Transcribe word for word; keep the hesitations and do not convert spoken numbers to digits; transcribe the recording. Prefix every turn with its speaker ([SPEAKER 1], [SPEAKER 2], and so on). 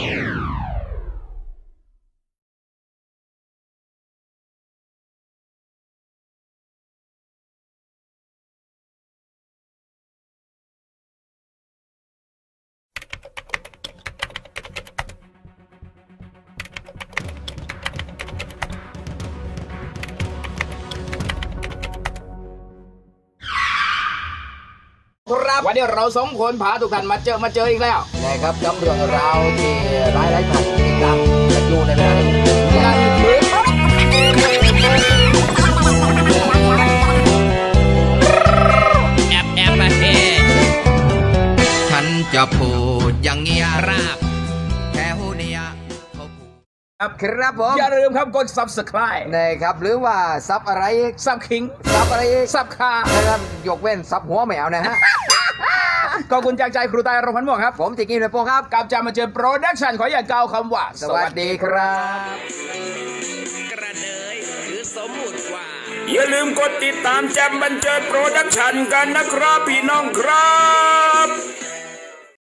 [SPEAKER 1] ครับวันนี้เราสองคนพาทุกท่านมาเจอมาเจออีกแล้ว
[SPEAKER 2] นะครับกับเรื่องราวที่หลายหลายท่านติดตามกันอยู่ในเวลานี้
[SPEAKER 1] นั่นคือ
[SPEAKER 3] แอบแอบมาเฮฉันจะพูดอย่างเงี้ยราบแค่หูเนี่ยเขาพูด
[SPEAKER 1] ครับ
[SPEAKER 2] ครับผม
[SPEAKER 1] อย่าลืมครับกด ซับสไครบ์
[SPEAKER 2] นะครับหรือว่าซับอะไรอีก
[SPEAKER 1] ซับคิง
[SPEAKER 2] ซับอะไรอีก
[SPEAKER 1] ซับคา
[SPEAKER 2] นะครับยกเว้นซับหัวแมวนะฮะ
[SPEAKER 1] ขอบคุณจากใจครูตายรพันธ์ม่วงครับ
[SPEAKER 2] ผมติกินเลยโป้ครับ
[SPEAKER 1] กับจามาเจอโปรดักชั่นขออย่าก้าวคำว่า
[SPEAKER 2] สวัสดีครับ
[SPEAKER 3] กระเดยหรือสมมุติว่า
[SPEAKER 4] อย่าลืมกดติดตามแจมบันเจิดโปรดักชั่นกันนะครับพี่น้องครับ